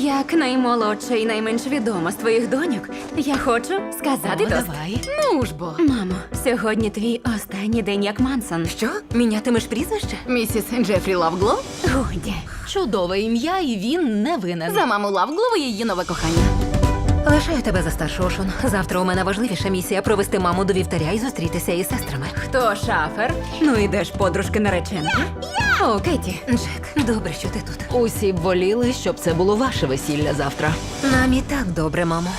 Як наймолодша і найменш відома з твоїх доньок, я хочу сказати тост. Давай. Ну ж бо. Мамо, сьогодні твій останній день як Мансон. Що? Мінятимеш прізвище? Місіс Джефрі Лавглов? Годі. Чудове ім'я, і він не винен. За маму Лавглова і її нове кохання. Лишаю тебе за старшу, Шон. Завтра у мене важливіша місія провести маму до вівтаря і зустрітися із сестрами. Хто шафер? Ну ідеш, подружки нареченки. О, Кеті. Джек, добре, що ти тут. Усі б воліли, щоб це було ваше весілля завтра. Нам і так добре, мамо.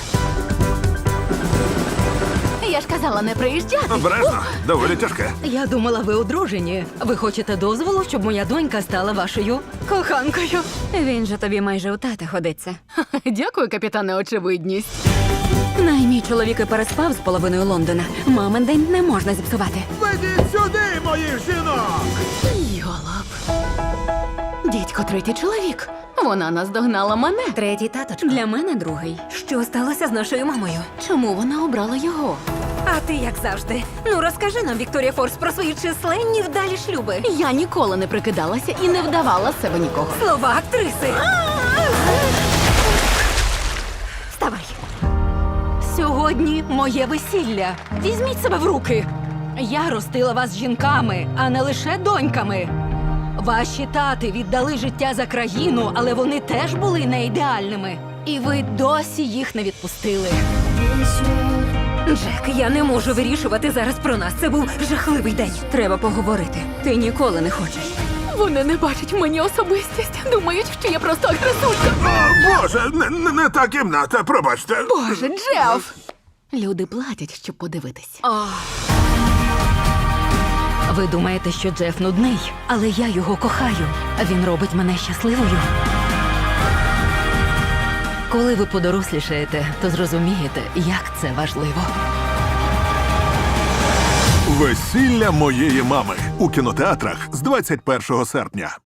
Я ж казала не приїжджати. Обережно, доволі тяжке. Я думала, ви одружені. Ви хочете дозволу, щоб моя донька стала вашою коханкою? Він же тобі майже у тата ходиться. Дякую, капітане, очевидність. Мій чоловік і переспав з половиною Лондона. Мамин день не можна зіпсувати. Ведіть сюди, моїх жінок! Йолоп. Дідько, третій чоловік. Вона наздогнала мене. Третій таточко. Для мене другий. Що сталося з нашою мамою? Чому вона обрала його? А ти як завжди. Ну розкажи нам, Вікторія Форс, про свої численні вдалі шлюби. Я ніколи не прикидалася і не вдавала з себе нікого. Слова актриси. Вставай. Сьогодні моє весілля. Візьміть себе в руки. Я ростила вас жінками, а не лише доньками. Ваші тати віддали життя за країну, але вони теж були не ідеальними. І ви досі їх не відпустили. Джек, я не можу вирішувати зараз про нас. Це був жахливий день. Треба поговорити. Ти ніколи не хочеш. Вони не бачать в мені особистість. Думають, що я просто агресулька. О, Боже, не та кімната, пробачте. Боже, Джеф! Люди платять, щоб подивитись. Ви думаєте, що Джеф нудний, але я його кохаю. Він робить мене щасливою. Коли ви подорослішаєте, то зрозумієте, як це важливо. Весілля моєї мами у кінотеатрах з 21 серпня.